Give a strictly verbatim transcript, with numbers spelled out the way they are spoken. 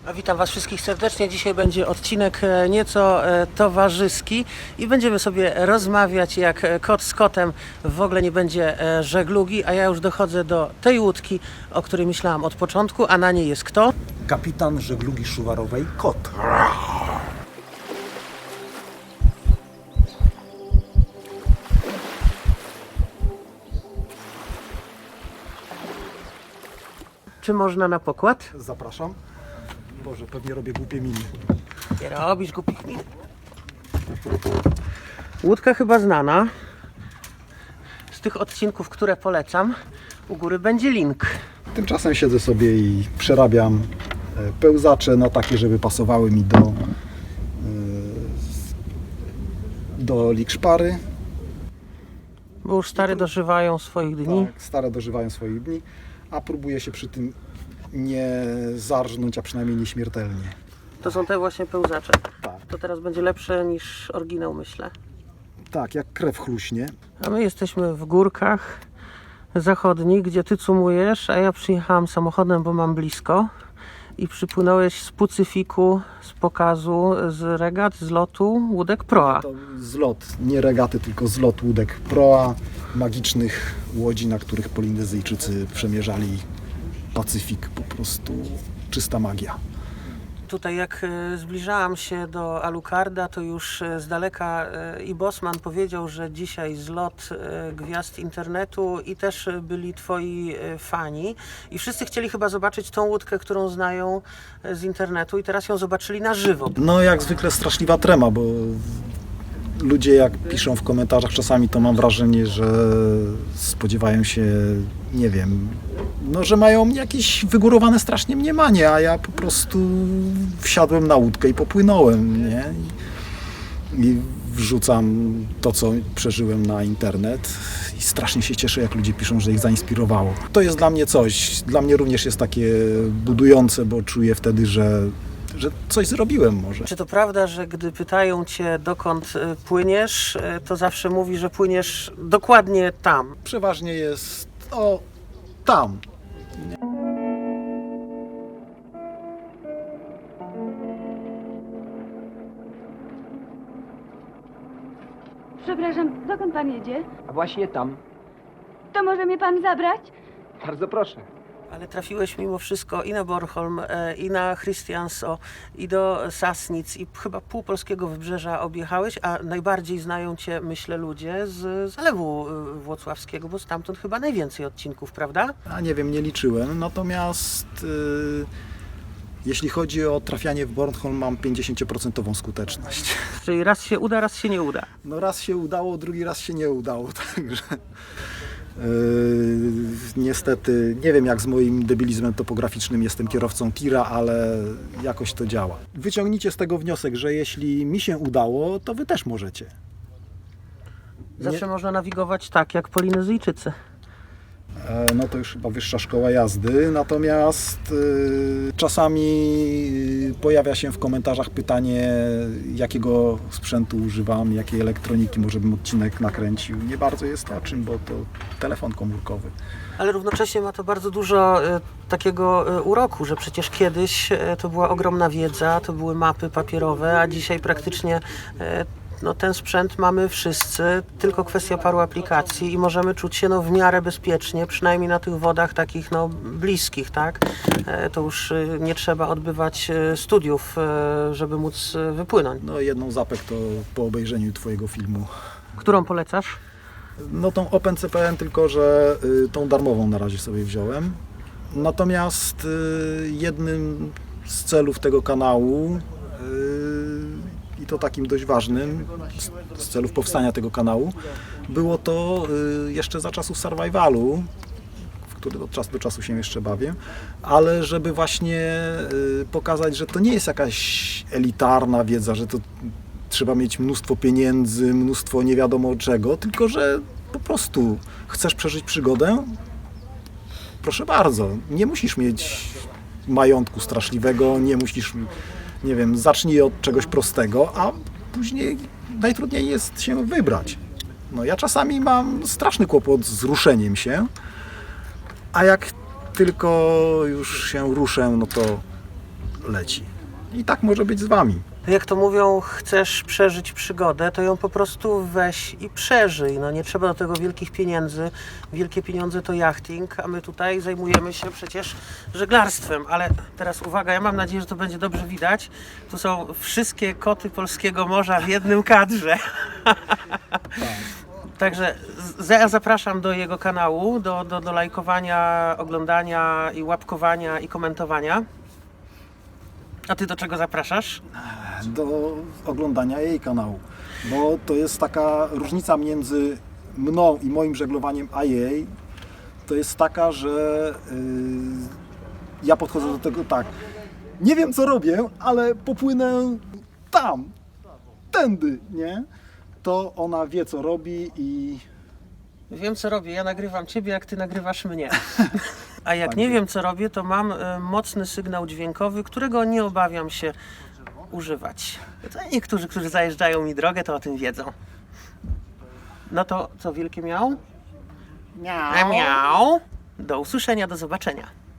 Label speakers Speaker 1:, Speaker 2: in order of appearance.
Speaker 1: A witam Was wszystkich serdecznie. Dzisiaj będzie odcinek nieco towarzyski i będziemy sobie rozmawiać jak kot z kotem. W ogóle nie będzie żeglugi, a ja już dochodzę do tej łódki, o której myślałam od początku, a na niej jest kto?
Speaker 2: Kapitan żeglugi szuwarowej Kot.
Speaker 1: Czy można na pokład?
Speaker 2: Zapraszam. Boże, pewnie robię głupie miny.
Speaker 1: Nie robisz głupich min. Łódka chyba znana. Z tych odcinków, które polecam, u góry będzie link.
Speaker 2: Tymczasem siedzę sobie i przerabiam pełzacze na takie, żeby pasowały mi do do likszpary.
Speaker 1: Bo już stare dożywają swoich dni.
Speaker 2: Tak, stare dożywają swoich dni, a próbuję się przy tym nie zarżnąć, a przynajmniej nieśmiertelnie.
Speaker 1: To są te właśnie pełzacze.
Speaker 2: Tak,
Speaker 1: To teraz będzie lepsze niż oryginał, myślę.
Speaker 2: tak, jak krew chluśnie.
Speaker 1: A my jesteśmy w górkach zachodnich, gdzie ty cumujesz, a ja przyjechałam samochodem, bo mam blisko. I przypłynąłeś z Pacyfiku, z pokazu, z regat, z lotu łódek Proa.
Speaker 2: To zlot, nie regaty, tylko zlot łódek Proa, magicznych łodzi, na których Polinezyjczycy przemierzali Pacyfik. Po prostu czysta magia.
Speaker 1: Tutaj jak e, zbliżałam się do Alucarda, to już e, z daleka e, i Bosman powiedział, że dzisiaj zlot e, gwiazd internetu i też e, byli twoi e, fani i wszyscy chcieli chyba zobaczyć tą łódkę, którą znają e, z internetu i teraz ją zobaczyli na żywo.
Speaker 2: No jak zwykle straszliwa trema, bo ludzie jak piszą w komentarzach czasami, to mam wrażenie, że spodziewają się, nie wiem, no że mają jakieś wygórowane strasznie mniemanie, a ja po prostu wsiadłem na łódkę i popłynąłem, nie? I, i wrzucam to, co przeżyłem na internet i strasznie się cieszę, jak ludzie piszą, że ich zainspirowało. To jest dla mnie coś, dla mnie również jest takie budujące, bo czuję wtedy, że że coś zrobiłem może.
Speaker 1: Czy to prawda, że gdy pytają cię, dokąd e, płyniesz, e, to zawsze mówi, że płyniesz dokładnie tam?
Speaker 2: Przeważnie jest o tam.
Speaker 3: Przepraszam, dokąd pan jedzie?
Speaker 4: A właśnie tam.
Speaker 3: To może mnie pan zabrać?
Speaker 4: Bardzo proszę.
Speaker 1: Ale trafiłeś mimo wszystko i na Bornholm, e, i na Christianso, i do Sassnic, i chyba pół polskiego wybrzeża objechałeś, a najbardziej znają cię, myślę, ludzie z Zalewu e, Włocławskiego, bo stamtąd chyba najwięcej odcinków, prawda?
Speaker 2: A nie wiem, nie liczyłem. Natomiast yy, jeśli chodzi o trafianie w Bornholm, mam pięćdziesiąt procent skuteczność.
Speaker 1: Czyli raz się uda, raz się nie uda.
Speaker 2: No raz się udało, drugi raz się nie udało, także yy, niestety nie wiem, jak z moim debilizmem topograficznym, jestem kierowcą tira, ale jakoś to działa. Wyciągnijcie z tego wniosek, że jeśli mi się udało, to wy też możecie.
Speaker 1: Zawsze można nawigować tak, jak Polinezyjczycy.
Speaker 2: E, No to już chyba wyższa szkoła jazdy, natomiast y, czasami y, pojawia się w komentarzach pytanie, jakiego sprzętu używam, jakiej elektroniki, może bym odcinek nakręcił. Nie bardzo jest o czym, bo to telefon komórkowy.
Speaker 1: Ale równocześnie ma to bardzo dużo e, takiego e, uroku, że przecież kiedyś e, to była ogromna wiedza, to były mapy papierowe, a dzisiaj praktycznie e, no, ten sprzęt mamy wszyscy, tylko kwestia paru aplikacji i możemy czuć się no, w miarę bezpiecznie, przynajmniej na tych wodach takich no, bliskich, tak? E, to już e, nie trzeba odbywać e, studiów, e, żeby móc e, wypłynąć.
Speaker 2: No jedną zapek to po obejrzeniu twojego filmu.
Speaker 1: Którą polecasz?
Speaker 2: No tą OpenCPN, tylko że y, tą darmową na razie sobie wziąłem. Natomiast y, jednym z celów tego kanału y, i to takim dość ważnym, z, z celów powstania tego kanału, było to y, jeszcze za czasów survivalu, w który od czasu do czasu się jeszcze bawię, ale żeby właśnie y, pokazać, że to nie jest jakaś elitarna wiedza, że to trzeba mieć mnóstwo pieniędzy, mnóstwo nie wiadomo czego, tylko że po prostu chcesz przeżyć przygodę? Proszę bardzo, nie musisz mieć majątku straszliwego, nie musisz, nie wiem, zacznij od czegoś prostego, a później najtrudniej jest się wybrać. No ja czasami mam straszny kłopot z ruszeniem się, a jak tylko już się ruszę, no to leci. I tak może być z Wami.
Speaker 1: Jak to mówią, chcesz przeżyć przygodę, to ją po prostu weź i przeżyj. No nie trzeba do tego wielkich pieniędzy. Wielkie pieniądze to jachting, a my tutaj zajmujemy się przecież żeglarstwem. Ale teraz uwaga, ja mam nadzieję, że to będzie dobrze widać. Tu są wszystkie koty polskiego morza w jednym kadrze. Także z- ja zapraszam do jego kanału, do, do, do lajkowania, oglądania i łapkowania i komentowania. A ty do czego zapraszasz?
Speaker 2: Do oglądania jej kanału, bo to jest taka różnica między mną i moim żeglowaniem a jej, to jest taka, że yy, ja podchodzę do tego tak, nie wiem co robię, ale popłynę tam, tędy, nie? To ona wie co robi i
Speaker 1: Wiem co robię, ja nagrywam ciebie, jak ty nagrywasz mnie. A jak nie wiem co robię, to mam e, mocny sygnał dźwiękowy, którego nie obawiam się używać. To niektórzy, którzy zajeżdżają mi drogę, to o tym wiedzą. No to co, wielkie miał? Miał. Miał. Do usłyszenia, do zobaczenia.